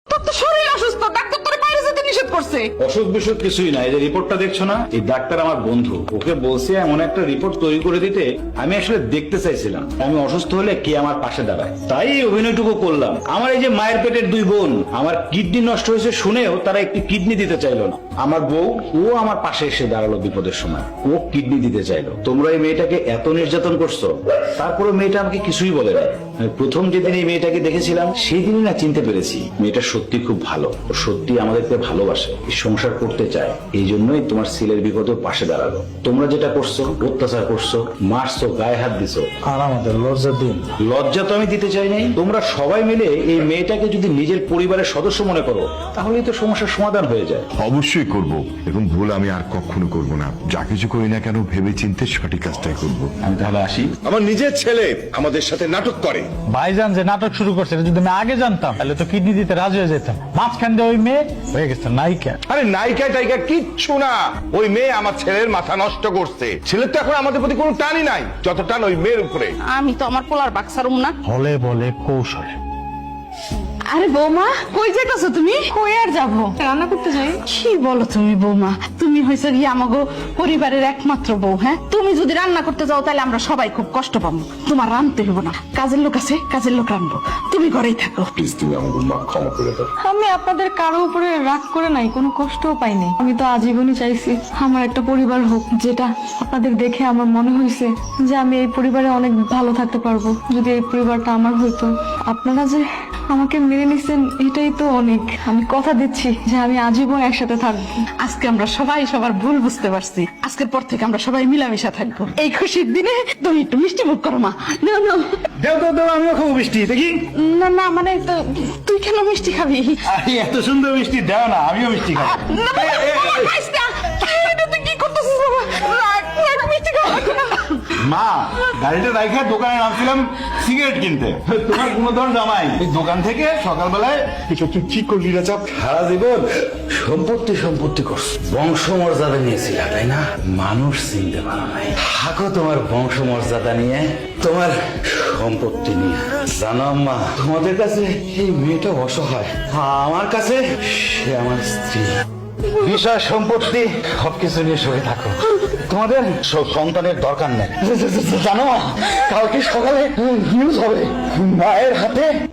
তোর তো শরীর অসুস্থ, ডাক্তার তোরে বাইরে যেতে নিষেধ করছে। অসুখ বিসুখ কিছুই না, এই যে রিপোর্টটা দেখছো না, এই ডাক্তার আমার বন্ধু, ওকে বলছে এমন একটা রিপোর্ট তৈরি করে দিতে। আমি আসলে দেখতে চাইছিলাম আমি অসুস্থ হলে কে আমার পাশে দাঁড়ায়, তাই এই অভিনয়টুকু করলাম। আমার এই যে মায়ের পেটের দুই বোন, আমার কিডনি নষ্ট হয়েছে শুনেও তারা একটি কিডনি দিতে চাইলো না। আমার বউ, ও আমার পাশে এসে দাঁড়ালো বিপদের সময়, ও কিডনি দিতে চাইলো। তোমরা এই মেয়েটাকে এত নির্যাতন করছো, তারপরে মেয়েটা আমাকে কিছুই বলে না। আমি প্রথম যেদিন এই মেয়েটাকে দেখেছিলাম সেই দিনই না চিনতে পেরেছি মেয়েটা সত্যি খুব ভালো, ও সত্যি আমাদেরকে ভালোবাসে, সংসার করতে চায়। এই জন্যই তোমার ছেলের বিপদে পাশে দাঁড়ালো। তোমরা যেটা করছো, অত্যাচার করছো, মারছো, গায়ে হাত দিছো, আর আমাদের লজ্জা দিন। লজ্জা তো আমি দিতে চাই নাই। তোমরা সবাই মিলে এই মেয়েটাকে যদি নিজের পরিবারের সদস্য মনে করো, তাহলেই তো সমস্যার সমাধান হয়ে যায়। অবশ্যই করব, এবং ভুল আমি আর কখনো করব না। যা কিছু করি না কেন ভেবে চিন্তে সঠিক কাজটাই করব। আমি তাহলে আসি। আমার নিজের ছেলে আমাদের সাথে নাটক করে। ভাইজান যে নাটক শুরু করছে এটা যদি আমি আগে জানতাম তাহলে তো কিডনি দিতে রাজি হয়ে যেতাম। মাঝখান দিয়ে ওই মেয়ে হয়ে গেছে নায়িকা। আরে নায়িকা টাইকা কিচ্ছু না, ওই মেয়ে আমার ছেলের মাথা নষ্ট করছে। ছেলের তো এখন আমাদের প্রতি কোনো টানই নাই, যত টান ওই মেয়ের উপরে। আমি তো আমার পোলার বাক্সারুম না। হলে বলে কৌশলে। আরে বৌমা, কই যাইতাছো তুমি? কই আর যাবো, রান্না করতে যাই। কি বলো তুমি বৌমা, তুমি হইছো গিয়ে আমাগো পরিবারের একমাত্র বউ। হ্যাঁ, তুমি যদি রান্না করতে যাও তাহলে আমরা সবাই খুব কষ্ট পাবো। তোমার রান্নতে হইব না, কাজের লোক আছে, কাজের লোক রান্নবো, তুমি ঘরেই থাকো। প্লিজ তুমি আমাকে মা ক্ষমা করে দাও। আমি আপনাদের কারো উপরে রাগ করে নাই, কোনো কষ্টও পাইনি। আমি তো আজীবনই চাইছি আমার একটা পরিবার হোক, যেটা আপনাদের দেখে আমার মনে হয়েছে যে আমি এই পরিবারে অনেক ভালো থাকতে পারবো যদি এই পরিবারটা আমার হইতো। আপনারা যে আমাকে মেনে নিচ্ছেন এটাই তো অনেক। আমি কথা দিচ্ছি যে আমি আজীবন একসাথে থাকবো। আজকে আমরা সবাই সবার ভুল বুঝতে পারছি। আজকের পর থেকে আমরা সবাই মিলামিশা থাকবো। এই খুশির দিনে তুমি একটু মিষ্টি মুখ করো মা। নাও, নাও। দেও দেও দেও, আমিও খাবো মিষ্টি, দেখি। না না, মানে তুই কেন মিষ্টি খাবি? আরে এত সুন্দর মিষ্টি দাও না, আমিও মিষ্টি খাবো। না, বাবা, বাবা, খাইস না। এটা তুই কি করতেছিস বাবা? রাখ, রাখ, মিষ্টি খাওয়া লাগবে না। মা, গাড়িটা রাইখা দোকানে নামছিলাম সিগারেট কিনতে, তোমার গুণধর জামাই এই দোকান থেকে সকালবেলায় এটা তুই কি করলি রাজা? সারা জীবন সম্পত্তি সম্পত্তি করছো, বংশমর্যাদা নিয়েছিলা তাই না? মানুষ চিনতে পারো নাই। থাকো তোমার বংশমর্যাদা নিয়ে, তোমার সম্পত্তি নিয়ে। জানো আম্মা, তোমাদের কাছে এই মেয়েটা অসহায়, আমার কাছে সে আমার স্ত্রী। বিষয় সম্পত্তি সবকিছু নিয়ে সরে থাকো, তোমাদের সন্তানের দরকার নেই। জানো, কালকে সকালে নিউজ হবে মায়ের হাতে